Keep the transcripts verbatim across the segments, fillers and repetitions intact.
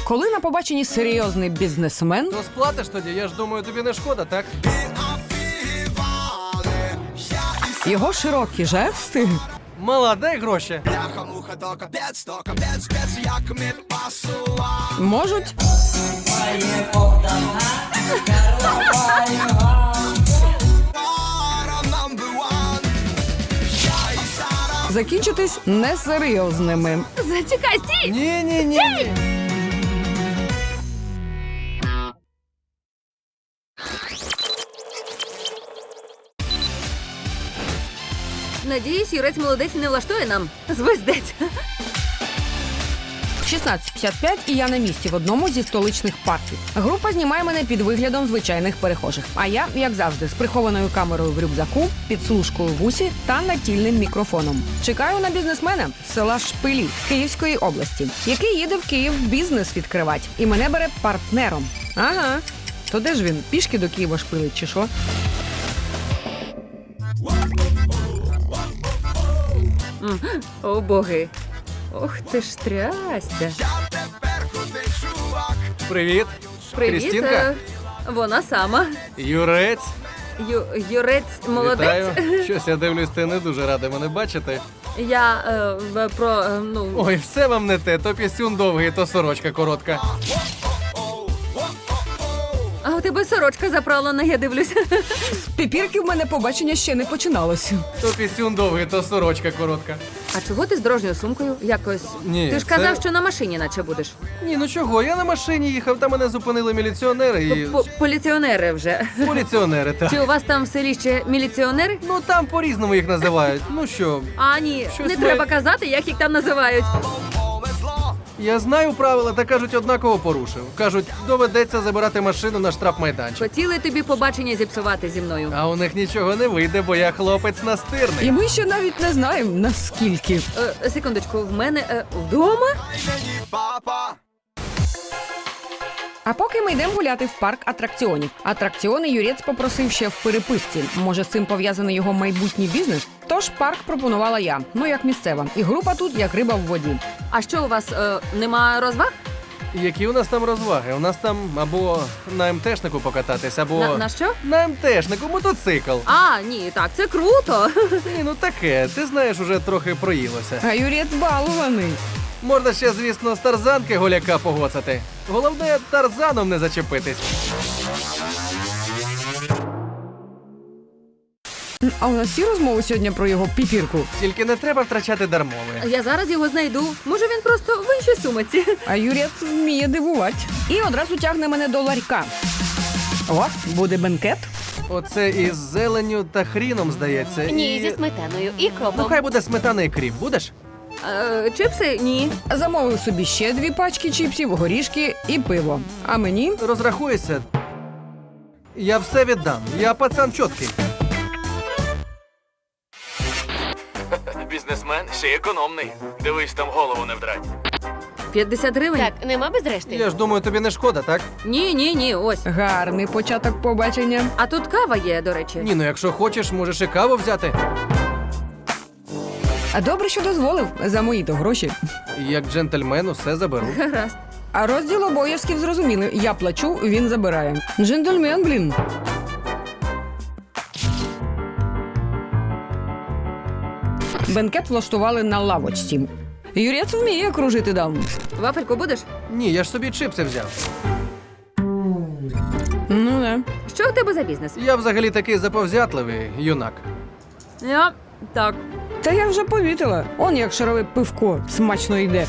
Коли на побаченні серйозний бізнесмен, Ну сплатиш тоді, я ж думаю, тобі не шкода, так? його широкі жести Мала, дай гроші. можуть закінчитись несерйозними. Зачекай, стій! Ні, ні, ні, ні. Надіюсь, юрець молодець не влаштує нам. Звездець. шістнадцять п'ятдесят п'ять і я на місці в одному зі столичних парків. Група знімає мене під виглядом звичайних перехожих. А я, як завжди, з прихованою камерою в рюкзаку, підслужкою в усі та натільним мікрофоном. Чекаю на бізнесмена з села Шпилі Київської області, який їде в Київ бізнес відкривати. І мене бере партнером. Ага. То де ж він? Пішки до Києва шпилить чи що? О, боги. Ох ти ж трясся. Привіт. Привіт. Крістінка? е, Вона сама. Юрець. Ю, юрець молодець. Вітаю. Щось я дивлюсь, ти не дуже радий мене бачити. Я е, в- про, е, ну... Ой, все вам не те. То пісюн довгий, то сорочка коротка. А у тебе сорочка заправлена, я дивлюся. З піпірки в мене побачення ще не починалося. То пісюн довгий, то сорочка коротка. А чого ти з дорожньою сумкою? Якось. Ні, Ти ж це- казав, що на машині наче будеш. Ні, ну чого, я на машині їхав, там мене зупинили міліціонери і... По- Поліціонери вже. Поліціонери, так. Чи у вас там в селі ще міліціонери? Ну там по-різному їх називають. Ну що, А, ні, Щось не ми- треба казати, як їх там називають. я знаю правила, та кажуть, однаково порушив. Кажуть, доведеться забирати машину на штрафмайданчик. Хотіли тобі побачення зіпсувати зі мною. А у них нічого не вийде, бо я хлопець І настирний. ми ще навіть не знаємо, наскільки. Е, секундочку, в мене е, вдома? А поки ми йдемо гуляти в парк атракціонів. Атракціони Юрець попросив ще в переписці. Може, з цим пов'язаний його майбутній бізнес? Тож парк пропонувала я, ну як місцева. І група тут як риба в воді. А що у вас е, нема розваг? Які у нас там розваги? У нас там або на МТшнику покататись, або На, на що? на МТшнику мотоцикл. А, ні, так, це круто. Ні, ну таке, ти знаєш, уже трохи проїлося. А Юрець балуваний. Можна ще, звісно, з тарзанки голяка погоцати. Головне, тарзаном не зачепитись. А у нас всі розмови сьогодні про його піпірку. Тільки не треба втрачати дармове. Я зараз його знайду. Може, він просто в іншій сумиці. А Юрець вміє дивувати. І одразу тягне мене до ларька. О, буде бенкет. Оце із зеленню та хріном, здається. Ні, і... зі сметаною і Ну, кропом. хай буде сметана і кріп. Будеш? Е, чипси? Ні. Замовив собі ще дві пачки чіпсів, горішки і пиво. А мені Розрахуєшся. Я все віддам. Я пацан чіткий. Бізнесмен ще й економний. Дивись, там голову не вдрать. п'ятдесят гривень? Так, нема без решти. Я ж думаю, тобі не шкода, так? Ні, ні, ні, ось. гарний початок побачення. А тут кава є, до речі. Ні, ну якщо хочеш, можеш і каву взяти. А добре, що дозволив за мої-то гроші. Як джентльмен усе заберу. Гаразд. А розділ обов'язків зрозуміли. Я плачу, він забирає. Джентльмен, блін. Бенкет влаштували на лавочці. Юрець вміє кружити дам. Вафельку будеш? Ні, я ж собі чипси взяв. Ну не. Що у тебе за бізнес? Я взагалі такий заповзятливий юнак. Я так. Та я вже помітила. Он як шарове пивко смачно йде.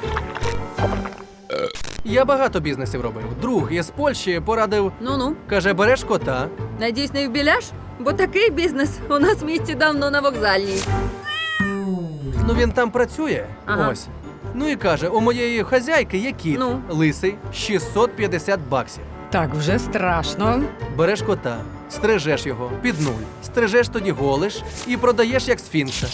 Я багато бізнесів робив. Друг із Польщі порадив, Ну-ну. каже, береш кота. Надіюсь, не вбіляш? Бо такий бізнес у нас в місті давно на вокзальній. Ну він там працює. Ага. Ось. Ну і каже, у моєї хазяйки є кіт, Ну? лисий, шістсот п'ятдесят баксів. Так, вже страшно. Береш кота, стрижеш його під нуль, стрижеш тоді голиш і продаєш як сфінкса.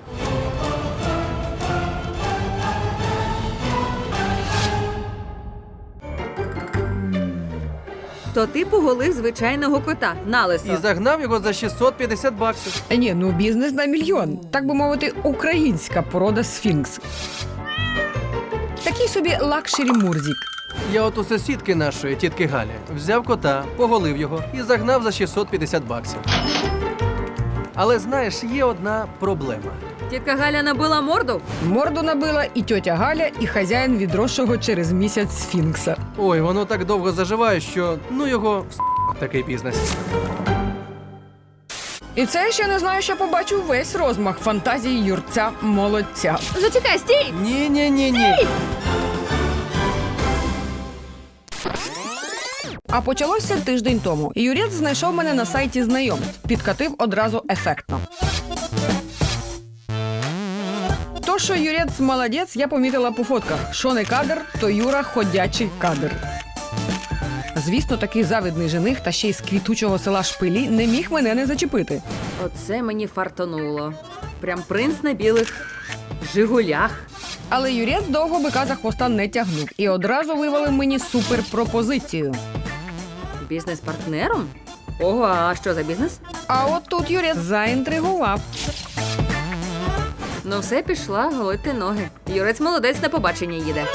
То ти поголив звичайного кота на лисо. І загнав його за шістсот п'ятдесят баксів. Ні, ну бізнес на мільйон. Так би мовити, українська порода сфінкс. Такий собі лакшері Мурзік. Я от у сусідки нашої, тітки Галі, взяв кота, поголив його і загнав за шістсот п'ятдесят баксів. Але знаєш, є одна проблема. Тітка Галя набила морду? Морду набила і тьотя Галя, і хазяїн відросшого через місяць сфінкса. Ой, воно так довго заживає, що ну його в с*** такий бізнес. І це я ще не знаю, що побачу весь розмах фантазії юрця молодця. Зачекай, стій! Ні-ні-ні-ні. А почалося тиждень тому. Юрець знайшов мене на сайті знайомств. Підкатив одразу ефектно. То, що Юрець молодець, я помітила по фотках. Що не кадр, то Юра ходячий кадр. Звісно, такий завидний жених та ще й з квітучого села Шпилі не міг мене не зачепити. Оце мені фартануло. Прям принц на білих жигулях. Але Юрець довго бика за хвоста не тягнув і одразу вивалив мені суперпропозицію. Бізнес-партнером? Ого, а що за бізнес? А от тут Юрець заінтригував. Ну все, пішла голити ноги. Юрець молодець, на побачення їде.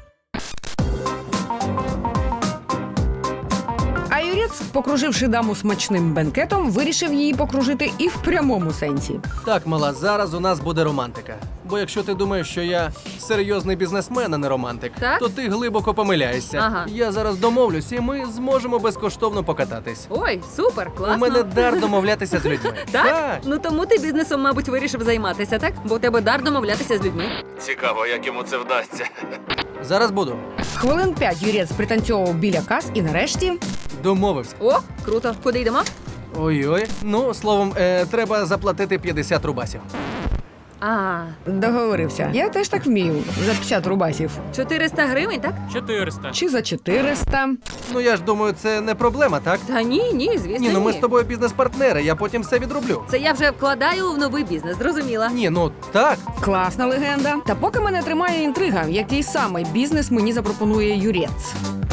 А Юрець, покруживши даму смачним бенкетом, вирішив її покружити і в прямому сенсі. Так, мала, зараз у нас буде романтика. Бо якщо ти думаєш, що я серйозний бізнесмен, а не романтик, Так? то ти глибоко помиляєшся. Ага. Я зараз домовлюсь, і ми зможемо безкоштовно покататись. Ой, супер, класно. У мене дар домовлятися з людьми. Так? Ну тому ти бізнесом, мабуть, вирішив займатися, так? Бо у тебе дар домовлятися з людьми. Цікаво, як йому це вдасться. Зараз буду. Хвилин п'ять Юрець пританцьовував біля кас і нарешті... Домовився. О, круто. Куди йдемо? Ой-ой. Ну, словом, е, треба заплатити п'ятдесят рубасів. А, Договорився. Я теж так вмію. За п'ятдесят рубасів. чотириста гривень, так? чотириста. Чи за чотириста. Ну я ж думаю, це не проблема, так? Та ні, ні, звісно, Ні, ну ми ні. з тобою бізнес-партнери, я потім все відроблю. Це я вже вкладаю в новий бізнес, зрозуміла. Ні, ну так. Класна легенда. Та поки мене тримає інтрига, який саме бізнес мені запропонує Юрець.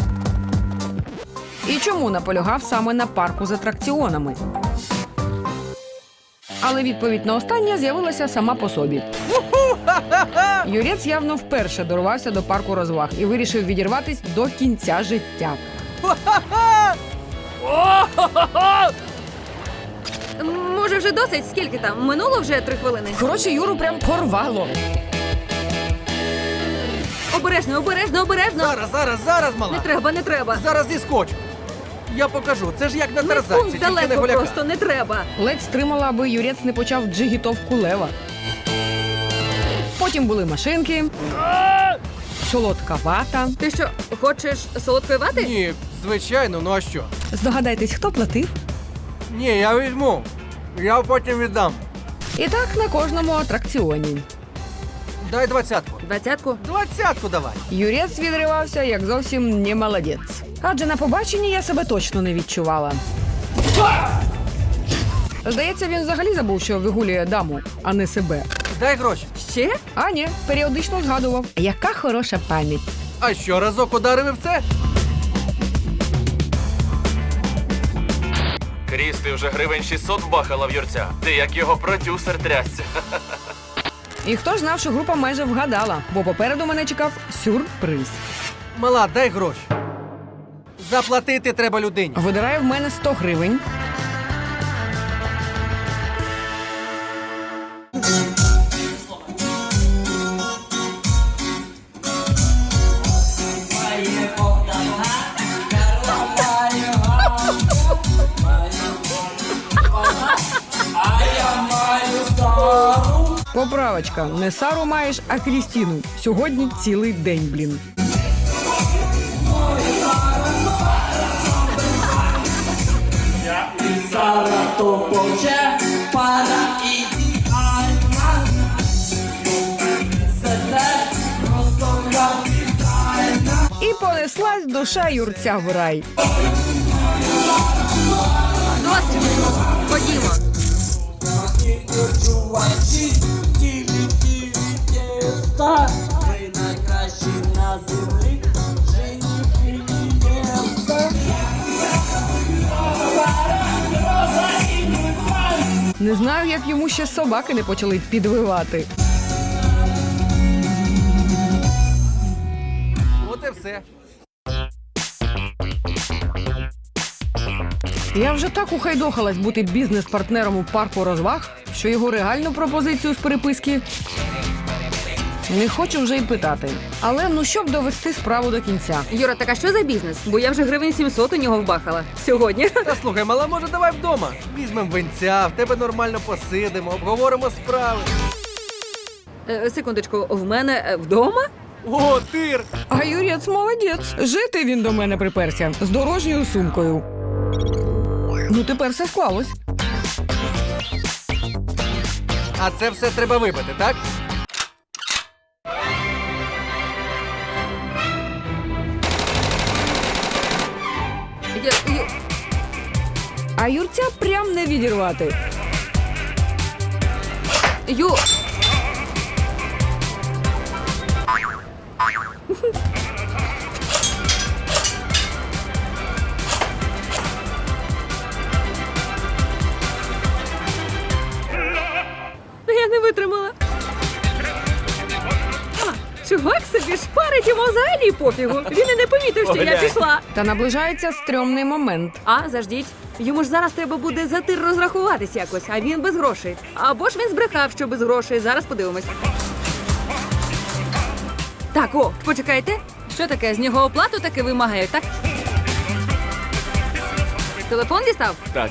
І чому наполягав саме на парку з атракціонами? Але відповідь на останнє з'явилася сама по собі. Юрець явно вперше дорвався до парку розваг і вирішив відірватись до кінця життя. Може, вже досить? Скільки там? Минуло вже три хвилини. Коротше, Юру прям порвало. Обережно, обережно, обережно. Зараз, зараз, зараз, мала. Не треба, не треба. Зараз зіскочу. Я покажу. Це ж як на Не тарзанці, пункт тільки не далеко голяка. просто, не треба. Ледь стримала, аби Юрець не почав джигітовку лева. Потім були машинки, солодка вата. Ти що, хочеш солодкої вати? Ні, звичайно, ну а що? Здогадайтесь, хто платив? Ні, я візьму. Я потім віддам. І так на кожному атракціоні. Дай двадцятку. Двадцятку? Двадцятку давай. Юрець відривався як зовсім не молодець. Адже на побаченні я себе точно не відчувала. Здається, він взагалі забув, що вигулює даму, а не себе. Дай гроші. Ще? А ні, періодично згадував. Яка хороша пам'ять. А що, разок ударив і в це? Кріс, ти вже гривень шістсот бахала в юрця. Ти як його продюсер трясся. І хто ж знав, що група майже вгадала, бо попереду мене чекав сюрприз. Мала, дай гроші. Заплатити треба людині. Видирає в мене сто гривень. Поправочка. Не Сару маєш, а Крістіну. Сьогодні цілий день, блін. Сара то поче пара ідеальна. Себе просто капітальна. І понеслась душа юрця в рай. Досить. Ходімо. Чувачі, тілі, тілі, тіста. Ви найкращі на землі. Жені, філі, єста. Не знаю, як йому ще собаки не почали підвивати. От і все. Я вже так ухайдохалась бути бізнес-партнером у парку розваг, що його реальну пропозицію з переписки не хочу вже й питати. Але ну щоб довести справу до кінця. Юра, так а що за бізнес? Бо я вже гривень сімсот у нього вбахала. Сьогодні. Та слухай, мала, може, давай вдома. Візьмем винця, в тебе нормально посидимо, обговоримо справи. Е, секундочку, в мене е, вдома? О, тир! А Юрець молодець. Жити він до мене приперся з дорожньою сумкою. Ну тепер все склалось. А це все треба випити, так? Я, я... А Юрця прям не відірвати. Ю... Я не витримала. А, чувак собі шпарить, йому взагалі пофігу. Він і не помітив, що я пішла. Та наближається стрьомний момент. А, заждіть. Йому ж зараз треба буде за тир розрахуватись якось, а він без грошей. Або ж він збрехав, що без грошей. Зараз подивимось. Так, о, почекайте. Що таке? З нього оплату таки вимагають, так? Телефон дістав? Так.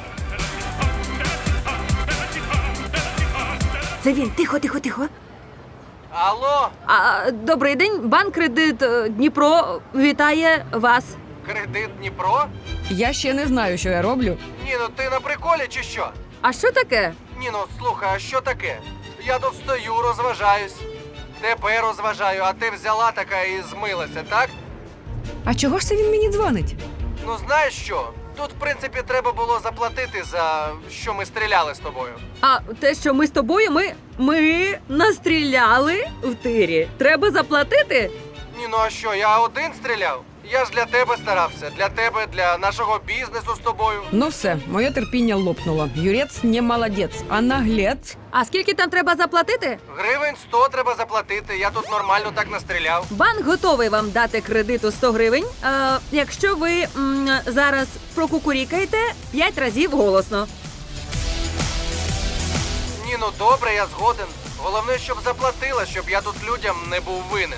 Це він. Тихо, тихо, тихо. Алло, А, добрий день. Банк Кредит е, Дніпро вітає вас. кредит Дніпро? Я ще не знаю, що я роблю. Ні, ну ти на приколі чи що? А що таке? Ні, ну слухай, а що таке? Я тут стою, розважаюсь. Тебе розважаю, а ти взяла така і змилася, так? А чого ж це він мені дзвонить? Ну знаєш що? Тут, в принципі, треба було заплатити за що ми стріляли з тобою. А те, що ми з тобою, ми, ми настріляли в тирі. Треба заплатити? Ні, ну а що, я один стріляв? Я ж для тебе старався, для тебе, для нашого бізнесу з тобою. Ну все, моє терпіння лопнуло. Юрець не молодець, а наглець. А скільки там треба заплатити? Гривень сто треба заплатити, я тут нормально так настріляв. Банк готовий вам дати кредиту сто гривень, е, якщо ви м, зараз прокукурікаєте п'ять разів голосно. Ні, ну добре, я згоден. Головне, щоб заплатила, щоб я тут людям не був винен.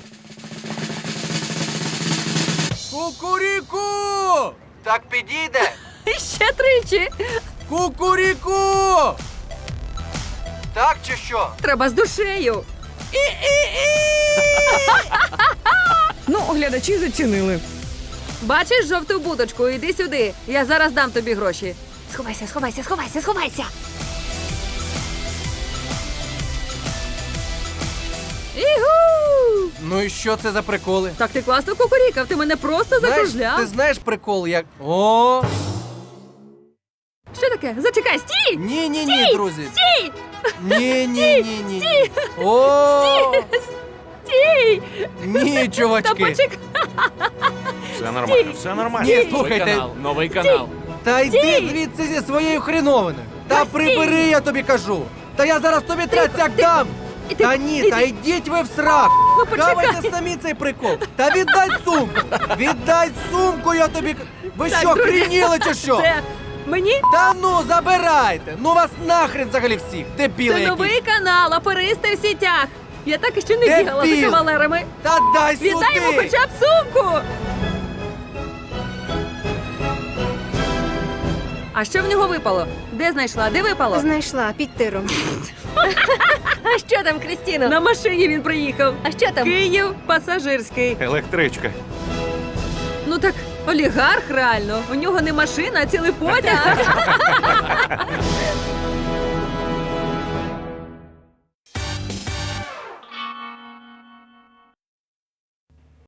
Кукуріку! Так підійде? Ще тричі. Кукуріку! Так чи що? Треба з душею. Ну, глядачі зацінили. Бачиш жовту будочку? Іди сюди. Я зараз дам тобі гроші. Сховайся, сховайся, сховайся, сховайся. Ігу! Ну і що це за приколи? Так ти класно кукурікав, ти мене просто Знаєш, закружляв. ти знаєш прикол, як. О! Що таке? Зачекай, стій! Ні, ні, ні, друзі. Стій! Ні, ні, ні, ні. О! Стій! Ні, Та чувачки. почекай. Все нормально, все нормально. Ні, Новий слухайте. канал, новий канал. Та йди звідси зі своєю хріновиною. Та Та прибери, я тобі кажу. Та я зараз тобі трясяк дам. І ти- Та ні, ти- та йдіть ви в срак. Ну, почекай. Хавайте самі цей прикол. Та віддай сумку. Віддай сумку, я тобі. к- Ви Так, що, друзі, хрініли чи що? Це мені? Та ну, забирайте. Ну вас нахрен взагалі всіх. Дебіли Це якісь. новий канал, аферисти в сітях. Я так іще не Дебіл. бігала за кавалерами. Та дай Віддай йому сюди. хоча б сумку. А що в нього випало? Де знайшла? Де випало? Знайшла під тиром. А що там, Крістіно? На машині він приїхав. А що там? Київ пасажирський. Електричка. Ну так олігарх реально. У нього не машина, а цілий потяг.